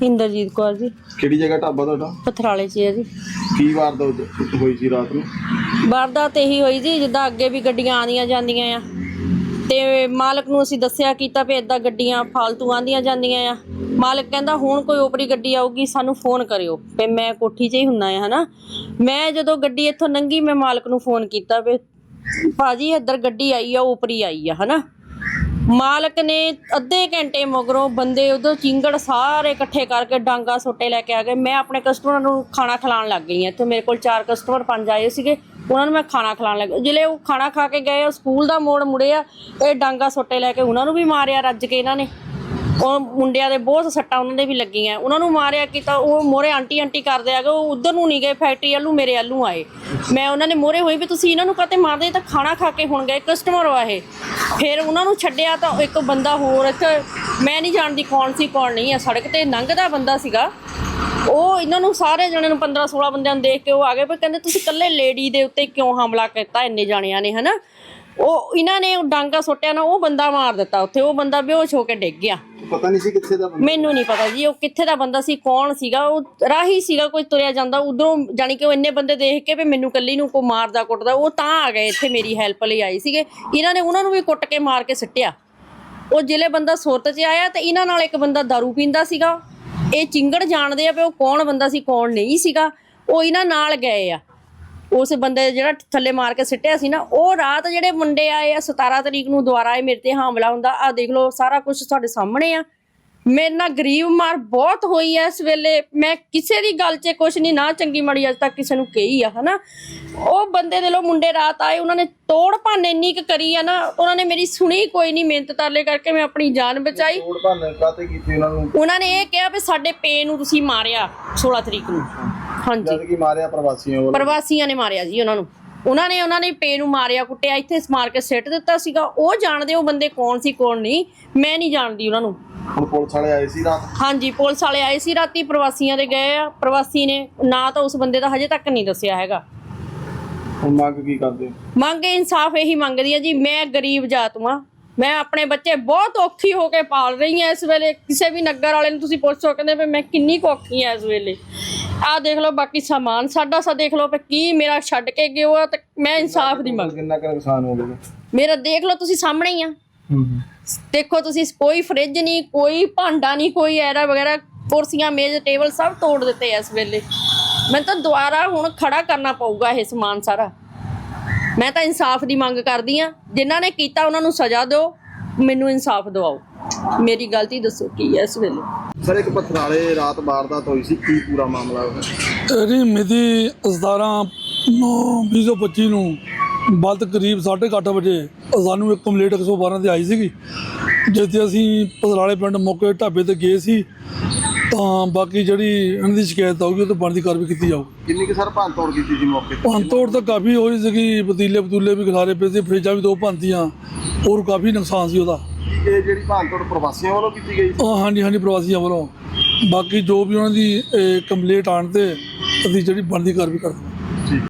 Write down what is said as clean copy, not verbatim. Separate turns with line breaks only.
ਇੰਦਰਜੀਤ ਕੌਰ ਜੀ।
ਕਿਹੜੀ ਜਗ੍ਹਾ ਢਾਬਾ ਤੁਹਾਡਾ?
ਪਥਰਾਲੇ 'ਚ ਹੈ ਜੀ।
ਕੀ ਵਾਰਦਾਤ ਹੋਈ ਸੀ ਰਾਤ ਨੂੰ?
ਵਾਰਦਾਤ ਇਹੀ ਹੋਈ ਜੀ, ਜਿੱਦਾਂ ਅੱਗੇ ਵੀ ਗੱਡੀਆਂ ਆਉਂਦੀਆਂ ਜਾਂਦੀਆਂ ਆ ਤੇ ਮਾਲਕ ਨੂੰ ਅਸੀਂ ਦੱਸਿਆ ਕੀਤਾ ਵੀ ਇਦਾਂ ਗੱਡੀਆਂ ਫਾਲਤੂ ਆਉਂਦੀਆਂ ਜਾਂਦੀਆਂ ਆ। ਮਾਲਕ ਕਹਿੰਦਾ ਹੁਣ ਕੋਈ ਓਪਰੀ ਗੱਡੀ ਆਊਗੀ ਸਾਨੂੰ ਫੋਨ ਕਰਿਓ ਵੀ ਮੈਂ ਕੋਠੀ 'ਚ ਹੀ ਹੁੰਨਾ ਆ ਹਨਾ। ਮੈਂ ਜਦੋਂ ਗੱਡੀ ਇੱਥੋਂ ਲੰਘੀ ਮੈਂ ਮਾਲਕ ਨੂੰ ਫੋਨ ਕੀਤਾ ਵੀ ਭਾਜੀ ਇੱਧਰ ਗੱਡੀ ਆਈ ਆ, ਓਪਰੀ ਆਈ ਆ ਹਨਾ। ਮਾਲਕ ਨੇ ਅੱਧੇ ਘੰਟੇ ਮਗਰੋਂ ਬੰਦੇ ਉਧਰ ਚਿੰਗੜ ਸਾਰੇ ਇਕੱਠੇ ਕਰਕੇ ਡਾਂਗਾ ਸੋਟੇ ਲੈ ਕੇ ਆ ਗਏ। ਮੈਂ ਆਪਣੇ ਕਸਟਮਰਾਂ ਨੂੰ ਖਾਣਾ ਖਿਲਾਉਣ ਲੱਗ ਗਈ ਹਾਂ। ਇੱਥੇ ਮੇਰੇ ਕੋਲ 4 ਕਸਟਮਰ 5 ਆਏ ਸੀਗੇ, ਉਹਨਾਂ ਨੂੰ ਮੈਂ ਖਾਣਾ ਖਿਲਾਉਣ ਲੱਗ ਜਿਹੜੇ ਉਹ ਖਾਣਾ ਖਾ ਕੇ ਗਏ ਉਹ ਸਕੂਲ ਦਾ ਮੋੜ ਮੁੜੇ ਆ, ਇਹ ਡਾਂਗਾ ਸੋਟੇ ਲੈ ਕੇ ਉਹਨਾਂ ਨੂੰ ਵੀ ਮਾਰਿਆ ਰੱਜ ਕੇ। ਇਹਨਾਂ ਨੇ ਉਹ ਮੁੰਡਿਆਂ ਦੇ ਬਹੁਤ ਸੱਟਾਂ ਉਹਨਾਂ ਦੇ ਵੀ ਲੱਗੀਆਂ, ਉਹਨਾਂ ਨੂੰ ਮਾਰਿਆ ਕੀਤਾ। ਉਹ ਮੋਰੇ ਆਂਟੀ ਆਂਟੀ ਕਰਦੇ ਆ ਗਏ, ਉਹ ਉਧਰ ਨੂੰ ਨਹੀਂ ਗਏ ਫੈਕਟਰੀ ਵੱਲੋਂ, ਮੇਰੇ ਵੱਲੋਂ ਆਏ। ਮੈਂ ਉਹਨਾਂ ਨੇ ਮੋਰੇ ਹੋਈ ਵੀ ਤੁਸੀਂ ਇਹਨਾਂ ਨੂੰ ਕਾਹਤੇ ਮਾਰਦੇ, ਤਾਂ ਖਾਣਾ ਖਾ ਕੇ ਹੁਣ ਗਏ ਕਸਟਮਰ ਆ ਇਹ। ਫਿਰ ਉਹਨਾਂ ਨੂੰ ਛੱਡਿਆ ਤਾਂ ਇੱਕ ਬੰਦਾ ਹੋਰ ਇੱਥੇ ਮੈਂ ਨਹੀਂ ਜਾਣਦੀ ਕੌਣ ਸੀ ਕੌਣ ਨਹੀਂ ਆ, ਸੜਕ ਤੇ ਲੰਘਦਾ ਬੰਦਾ ਸੀਗਾ। ਉਹ ਇਹਨਾਂ ਨੂੰ ਸਾਰੇ ਜਣੇ ਨੂੰ 15-16 ਬੰਦਿਆਂ ਨੂੰ ਦੇਖ ਕੇ ਉਹ ਆ ਗਏ, ਪਰ ਕਹਿੰਦੇ ਤੁਸੀਂ ਇਕੱਲੇ ਲੇਡੀ ਦੇ ਉੱਤੇ ਕਿਉਂ ਹਮਲਾ ਕੀਤਾ ਇੰਨੇ ਜਾਣਿਆਂ ਨੇ ਹਨਾ। ਉਹ ਇਹਨਾਂ ਨੇ ਡਾਂਗਾ ਸੁੱਟਿਆ ਨਾ, ਉਹ ਬੰਦਾ ਮਾਰ ਦਿੱਤਾ ਉੱਥੇ। ਉਹ ਬੰਦਾ ਬੇਹੋਸ਼ ਹੋ ਕੇ ਡਿੱਗ ਗਿਆ।
ਪਤਾ ਨਹੀਂ ਸੀ ਕਿੱਥੇ ਦਾ ਬੰਦਾ? ਮੈਨੂੰ
ਨਹੀਂ ਪਤਾ ਜੀ ਉਹ ਕਿੱਥੇ ਦਾ ਬੰਦਾ ਸੀ, ਕੌਣ ਸੀਗਾ। ਉਹ ਰਾਹੀ ਸੀਗਾ, ਕੋਈ ਤੁਰਿਆ ਜਾਂਦਾ ਉਧਰੋਂ, ਜਾਣੀ ਕਿ ਉਹ ਇੰਨੇ ਬੰਦੇ ਦੇਖ ਕੇ ਵੀ ਮੈਨੂੰ ਕੱਲੀ ਨੂੰ ਕੋਈ ਮਾਰਦਾ ਕੁੱਟਦਾ, ਉਹ ਤਾਂ ਆ ਗਏ ਇੱਥੇ ਮੇਰੀ ਹੈਲਪ ਲਈ ਆਏ ਸੀਗੇ। ਇਹਨਾਂ ਨੇ ਉਹਨਾਂ ਨੂੰ ਵੀ ਕੁੱਟ ਕੇ ਮਾਰ ਕੇ ਸਿੱਟਿਆ। ਉਹ ਜਿਹੜੇ ਬੰਦਾ ਸੁਰਤ 'ਚ ਆਇਆ ਤੇ ਇਹਨਾਂ ਨਾਲ ਇੱਕ ਬੰਦਾ ਦਾਰੂ ਪੀਂਦਾ ਸੀਗਾ। ਇਹ ਚਿੰਗੜ ਜਾਣਦੇ ਆ ਵੀ ਉਹ ਕੌਣ ਬੰਦਾ ਸੀ ਕੌਣ ਨਹੀਂ ਸੀਗਾ। ਉਹ ਇਹਨਾਂ ਨਾਲ ਗਏ ਆ। ਉਸ ਬੰਦੇ ਜਿਹੜਾ ਥੱਲੇ ਮਾਰ ਕੇ ਸਿੱਟਿਆ ਸੀ ਨਾ, ਉਹ ਰਾਤ ਜਿਹੜੇ ਮੁੰਡੇ ਆਏ ਆ 17 ਤਰੀਕ ਨੂੰ ਦੁਬਾਰਾ ਇਹ ਮੇਰੇ ਤੇ ਹਮਲਾ ਹੁੰਦਾ। ਆਹ ਦੇਖ ਲਓ ਸਾਰਾ ਕੁਝ ਤੁਹਾਡੇ ਸਾਹਮਣੇ ਆ। ਮੇਰੇ ਨਾਲ ਗਰੀਬ ਮਾਰ ਬਹੁਤ ਹੋਈ ਐ ਇਸ ਵੇਲੇ। ਮੈਂ ਕਿਸੇ ਦੀ ਗੱਲ 'ਚ ਕੁਛ ਨਹੀਂ ਨਾ ਚੰਗੀ ਮਾੜੀ ਅੱਜ ਤੱਕ ਕਿਸੇ ਨੂੰ ਕਹੀ ਆ ਹਨਾ। ਉਹ ਬੰਦੇ ਦੇ ਲੋ ਮੁੰਡੇ ਰਾਤ ਆਏ, ਉਹਨਾਂ ਨੇ ਤੋੜ ਭੰਨ ਇੰਨੀ ਕੁ ਕਰੀ ਆ ਨਾ, ਉਹਨਾਂ ਨੇ ਮੇਰੀ ਸੁਣੀ ਕੋਈ ਨਹੀਂ। ਮਿਹਨਤ ਤਰਲੇ ਕਰਕੇ ਮੈਂ ਆਪਣੀ ਜਾਨ ਬਚਾਈ।
ਤੋੜ ਭੰਨ ਕਾਹਤੇ ਕੀਤੀ ਉਹਨਾਂ ਨੂੰ?
ਉਹਨਾਂ ਨੇ ਇਹ ਕਿਹਾ ਵੀ ਸਾਡੇ ਪੇ ਨੂੰ ਤੁਸੀਂ ਮਾਰਿਆ 16 ਤਰੀਕ ਨੂੰ। ਹਾਂਜੀ
ਜਦ ਕੀ ਮਾਰਿਆ?
ਪ੍ਰਵਾਸੀਆਂ ਨੇ ਮਾਰਿਆ ਜੀ ਉਹਨਾਂ ਨੂੰ। ਉਹਨਾਂ ਨੇ ਪੇ ਨੂੰ ਮਾਰਿਆ ਕੁੱਟਿਆ, ਇੱਥੇ ਮਾਰ ਕੇ ਸਿੱਟ ਦਿੱਤਾ ਸੀਗਾ। ਉਹ ਜਾਣਦੇ ਉਹ ਬੰਦੇ ਕੌਣ ਸੀ ਕੌਣ ਨਹੀਂ, ਮੈਂ ਨਹੀਂ ਜਾਣਦੀ ਉਹਨਾਂ ਨੂੰ।
ਹੁਣ ਪੁਲਿਸ ਵਾਲੇ ਆਏ ਸੀ ਰਾਤ?
ਹਾਂਜੀ ਪੁਲਿਸ ਵਾਲੇ ਆਏ ਸੀ ਰਾਤੀ, ਪ੍ਰਵਾਸੀਆਂ ਦੇ ਗਏ ਆ। ਪ੍ਰਵਾਸੀ ਨੇ ਨਾ ਤਾਂ ਉਸ ਬੰਦੇ ਦਾ ਹਜੇ ਤੱਕ ਨਹੀਂ ਦੱਸਿਆ ਹੈਗਾ।
ਹੁਣ ਮੰਗ ਕੀ ਕਰਦੇ?
ਮੰਗ ਇਨਸਾਫ ਇਹੀ ਮੰਗਦੀ ਆ ਜੀ। ਮੈਂ ਗਰੀਬ ਜਾਤ ਵਾਂ, ਮੈਂ ਆਪਣੇ ਬੱਚੇ ਬਹੁਤ ਔਖੀ ਹੋ ਕੇ ਪਾਲ ਰਹੀ ਹਾਂ ਇਸ ਵੇਲੇ। ਕਿਸੇ ਵੀ ਨਗਰ ਵਾਲੇ ਨੂੰ ਤੁਸੀਂ ਪੁੱਛ ਸਕਦੇ ਵੀ ਮੈਂ ਕਿੰਨੀ ਕੁ ਔਖੀ ਹਾਂ ਇਸ ਵੇਲੇ। ਆਹ ਦੇਖ ਲਓ ਬਾਕੀ ਸਮਾਨ ਸਾਡਾ ਸਾ ਦੇਖ ਲਓ ਕੀ ਮੇਰਾ ਛੱਡ ਕੇ ਗਿਓ ਆ। ਤੇ ਮੈਂ ਇਨਸਾਫ ਦੀ ਮੰਗ।
ਕਿੰਨਾ ਕੁ ਨੁਕਸਾਨ ਹੋ ਗਿਆ
ਮੇਰਾ? ਦੇਖ ਲਓ ਤੁਸੀਂ ਸਾਹਮਣੇ ਹੀ ਆ। ਦੇਖੋ ਤੁਸੀਂ, ਕੋਈ ਫਰਿੱਜ ਨਹੀਂ, ਕੋਈ ਭਾਂਡਾ ਨਹੀਂ, ਕੋਈ ਐਰਾ ਵਗੈਰਾ, ਕੁਰਸੀਆਂ ਮੇਜ਼ ਟੇਬਲ ਸਭ ਤੋੜ ਦਿੱਤੇ ਇਸ ਵੇਲੇ। ਮੈਨੂੰ ਤਾਂ ਦੁਬਾਰਾ ਹੁਣ ਖੜਾ ਕਰਨਾ ਪਊਗਾ ਇਹ ਸਮਾਨ ਸਾਰਾ। ਮੈਂ ਤਾਂ ਇਨਸਾਫ ਦੀ ਮੰਗ ਕਰਦੀ ਆ। ਜਿਨ੍ਹਾਂ ਨੇ ਕੀਤਾ ਉਹਨਾਂ ਨੂੰ ਸਜ਼ਾ ਦਿਓ, ਮੈਨੂੰ ਇਨਸਾਫ ਦਿਵਾਓ। ਮੇਰੀ ਗਲਤੀ ਦੱਸੋ ਕੀ ਹੈ ਇਸ ਵੇਲੇ।
ਸਰ ਇੱਕ ਪਥਰਾਲੇ ਰਾਤ ਵਾਰਦਾਤ ਹੋਈ ਸੀ, ਕੀ ਪੂਰਾ ਮਾਮਲਾ ਹੈ?
ਇਹਦੀ ਮਿਤੀ 17/9/2025 ਨੂੰ ਬਲਦ ਕਰੀਬ 8:30 ਵਜੇ ਸਾਨੂੰ ਇੱਕ ਕੰਪਲੇਂਟ 112 ਤੇ ਆਈ ਸੀਗੀ, ਜਿੱਥੇ ਅਸੀਂ ਪਥਰਾਲੇ ਪਿੰਡ ਮੌਕੇ ਢਾਬੇ ਤੇ ਗਏ ਸੀ। ਤਾਂ ਬਾਕੀ ਜਿਹੜੀ ਇਹਨਾਂ ਦੀ ਸ਼ਿਕਾਇਤ ਆਊਗੀ ਉਹ ਤੋਂ ਬਣਦੀ ਕਾਰਵਾਈ ਕੀਤੀ ਜਾਊਗੀ।
ਕਿੰਨੀ ਕਿ ਸਰ ਭੰਨ ਤੋੜ ਕੀਤੀ ਸੀ ਮੌਕੇ ਤੇ?
ਭੰਨ ਤੋੜ ਤਾਂ ਕਾਫੀ ਹੋਈ ਸੀਗੀ, ਪਤੀਲੇ ਵੀ ਖਿਲਾਰੇ ਪਏ ਸੀ, ਫਰਿੱਜਾਂ ਵੀ 2 ਭੰਨਤੀਆਂ, ਹੋਰ ਕਾਫੀ ਨੁਕਸਾਨ ਸੀ ਉਹਦਾ।
ਇਹ ਜਿਹੜੀ ਭੰਨ ਤੋੜ ਪ੍ਰਵਾਸੀਆਂ ਵੱਲੋਂ ਕੀਤੀ ਗਈ?
ਹਾਂਜੀ ਪ੍ਰਵਾਸੀਆਂ ਵੱਲੋਂ। ਬਾਕੀ ਜੋ ਵੀ ਉਹਨਾਂ ਦੀ ਕੰਪਲੇਂਟ ਆਉਣ ਤੇ ਅਸੀਂ ਜਿਹੜੀ ਬਣਦੀ ਕਾਰਵਾਈ ਕਰਦੇ।